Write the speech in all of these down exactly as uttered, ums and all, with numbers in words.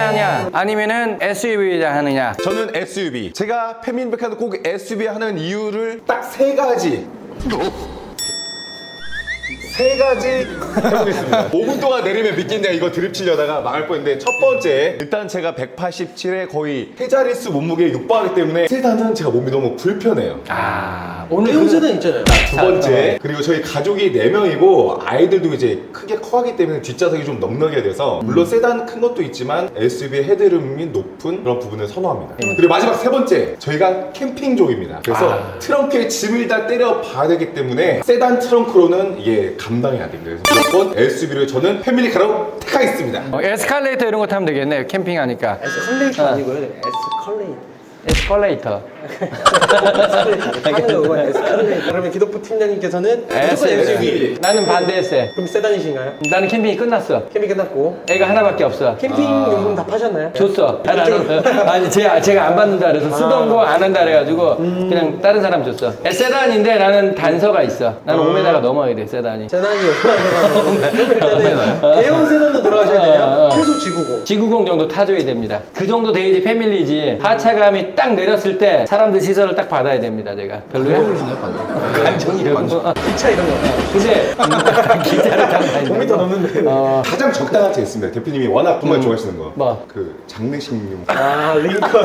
하냐 아니면은 에스유브이 하느냐. 저는 에스유브이. 제가 페미니백화도 꼭 에스유브이 하는 이유를 딱 세 가지 세 가지 해보겠습니다. 오 분 동안 내리면 믿겠냐 이거 드립 치려다가 망할 뻔했는데, 첫 번째, 일단 제가 백팔십칠에 거의 세자릿수 몸무게에 육박하기 때문에 세단은 제가 몸이 너무 불편해요. 아 오늘 대형 그- 세단 있잖아요. 두 번째, 그리고 저희 가족이 네 명이고 아이들도 이제 크게 커가기 때문에 뒷좌석이 좀 넉넉해야 돼서, 물론 세단 큰 것도 있지만 에스유브이 헤드룸이 높은 그런 부분을 선호합니다. 그리고 마지막 세 번째, 저희가 캠핑족입니다. 그래서 아. 트렁크에 짐을 다 때려 봐야 되기 때문에 세단 트렁크로는 이게 감당이 안 됩니다. 그래서 무조건 에스유브이를 저는 패밀리카로 택하겠습니다. 어, 에스컬레이터 이런 거 타면 되겠네요. 캠핑하니까. 에스컬레이터 아니고요. 에스컬레이터. 에스컬레이터. 하는 거고 에스컬레이터. 그러면 기독부 팀장님께서는 무조건 에스유브이. 나는 반대했어요. 그럼 세단이신가요? 나는 캠핑이 끝났어. 캠핑 끝났고 애가 하나밖에 없어. 캠핑 용품 다 파셨나요? 줬어. 아니, 아니 제가, 제가 안 받는다 그래서 쓰던 거 안 한다 그래가지고 그냥 다른 사람 줬어. 에, 세단인데 나는 단서가 있어. 나는 오 미터가 넘어야 돼, 세단이. 세단이 얼마나 대형 세단도 들어가셔야 돼요. 최소 지구고. 지구공 정도 타줘야 됩니다. 그 정도 돼야지 패밀리지. 하차감이 딱 내렸을 때 사람들 시선을 딱 받아야 됩니다, 제가. 별로야? 감정이라고. 기차 이런 거. 근데 기차를 타면 오 미터 넘는데. 어, 가장 적당한 제스입니다. 대표님이 워낙 정말 좋아하시는 거. 뭐? 그 장례식용. 아 링컨.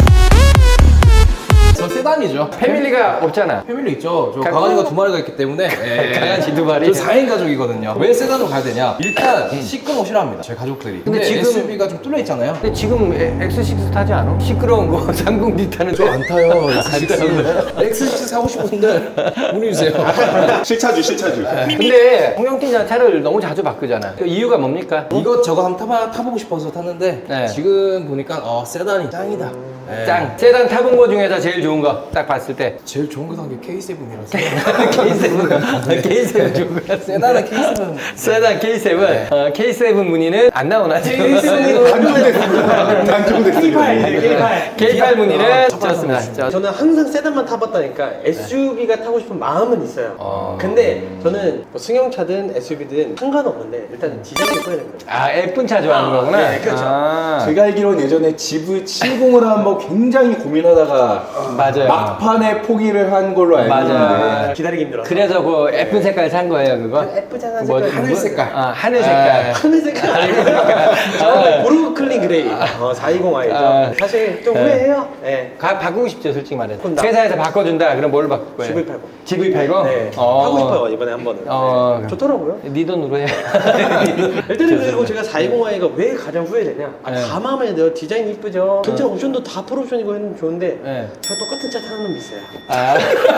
저 세단이죠. 패밀리가 없잖아. 패밀리 있죠. 저 가- 강아지가 두 마리가 있기 때문에. 예. 강아지 두 마리? 저 사 인 가족이거든요. 왜 세단으로 가야 되냐? 일단 시끄러운 거 싫어합니다. 저희 가족들이. 근데, 근데 지금- 에스유브이가 좀 뚫려 있잖아요. 근데 지금 에- 엑스식스 타지 않아? 시끄러운 거 삼공디 타는데. 저 안 타요. 엑스식스 사고 싶은 분들 문의 주세요. 실차주, 실차주. 근데 홍영팀장 차를 너무 자주 바꾸잖아. 그 이유가 뭡니까? 이것저것 한번 타봐, 타보고 싶어서 탔는데 네. 지금 보니까 어, 세단이 짱이다. 예. 짱. 세단 타본 거 중에서 제일 좋은 거 딱 봤을 때. 제일 좋은 거 산 게 케이 세븐이라서. 케이 세븐. 케이 세븐 좋은 거 같아. 세단은 케이 세븐. 세단 케이 세븐. 어, 케이 세븐 문의는 안 나오나 지금? 단종됐습니다. 단종됐습니다. 케이 팔 문의는 좋습니다. 저- 저는 항상 세단만 타봤다니까 에스유브이가 타고 싶은 마음은 있어요. 어. 근데 저는 뭐 승용차든 에스유브이든 상관없는데 일단 디자인이 예뻐야 되는 거죠. 아, 예쁜 차 좋아하는 거구나. 네, 그렇죠. 아, 제가 알기로는 예전에 지브칠십을 한번 굉장히 고민하다가 맞아요. 막판에 포기를 한 걸로 알고 맞아. 있는데, 기다리기 힘들어서. 그래서 그 예쁜 색깔 산 거예요, 그거? 예쁘잖아 뭐, 색깔. 하늘 색깔. 아, 하늘 색깔. 하늘 색깔 아니니까. 저 보르클린 그레이. 어, 사이공 아이죠. 아. 사실 좀 네. 후회해요. 네. 가, 바꾸고 싶죠, 솔직히 말해서. 그럼 나- 회사에서 바꿔준다. 그럼 뭘로 바꿀 거예요? 지브이 팔십. 지브이 팔십? 네. 어. 하고 싶어요 이번에 한 번은. 어. 네. 좋더라고요. 네 돈으로 해. 일단은 그리고 제가 사이공 아이가 왜 가장 후회되냐? 아, 네. 다 마음에 들어요. 디자인 이쁘죠. 전체 옵션도 다 풀옵션이고 했는 좋은데 네. 저 똑같은 차 타는 놈 있어요. 아,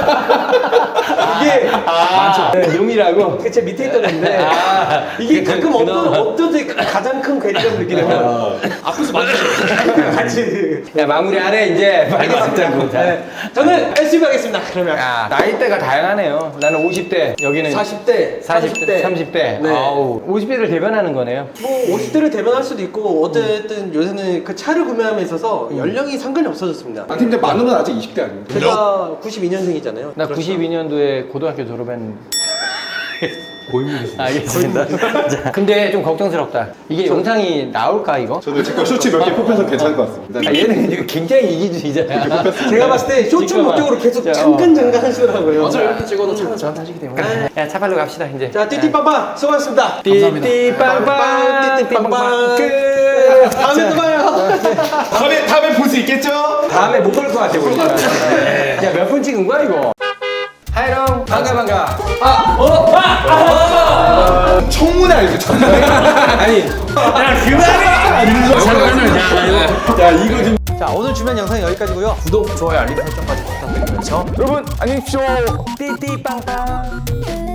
이게 많죠. 네, 놈이라고? 그제 밑에 있던 건데 아, 이게 그- 가끔 그- 어떤 그놈. 어떤 데 가장 큰 괴리감을 느끼냐면 앞에서 맞으셔 같이. 야, 마무리 안 해, 이제. 빨리 맞자고. 자. 네. 저는 에스유브이 하겠습니다. 그러면 야, 나이대가 다양하네요. 나는 오십 대, 여기는 사십 대, 사십 대, 삼십 대. 네. 아우, 오십 대를 대변하는 거네요. 뭐 오십 대를 대변할 수도 있고 어쨌든 요새는 그 차를 구매함에 있어서 연령이 상관이 없어졌습니다. 아, 팀장 만우는 아직 이십 대 아닙니까? 제가 구십이 년생이잖아요. 나 구십이 년도에 고등학교 졸업했는데. 고인물이시네. 알겠습니다. 자, 근데 좀 걱정스럽다. 이게 영상이 나올까, 이거? 저도 제거 쇼츠 몇 개 뽑혀서 괜찮을 것 같습니다. 아, 얘는 이거 굉장히 이기주의잖아. 제가 봤을 때 쇼츠 잠깐만. 목적으로 계속 자, 어. 잠깐잠깐 하시더라고요. 어차피 이렇게 찍어도 차는 저한테 하시기 때문에. 야, 차팔로 갑시다, 이제. 자, 띠띠빵빵 수고하셨습니다. 띠띠빵빵, 띠띠빵빵, 끝! 다음에 또 봐요. 다음에, 다음에 볼 수 있겠죠? 다음에 못 볼 것 같아, 보니까. 야, 몇 분 찍은 거야, 이거? 하이롱, 반가, 반가. 아, 어? 아, 아! 청문회 알죠? 청문회? 아니. 야, 그만해! 잠깐만요. 야, 이거 좀. 자, 오늘 주변 영상 여기까지고요. 구독, 좋아요, 알림 설정까지 부탁드리면서 여러분, 안녕히 계십시오. 띠띠빵빵.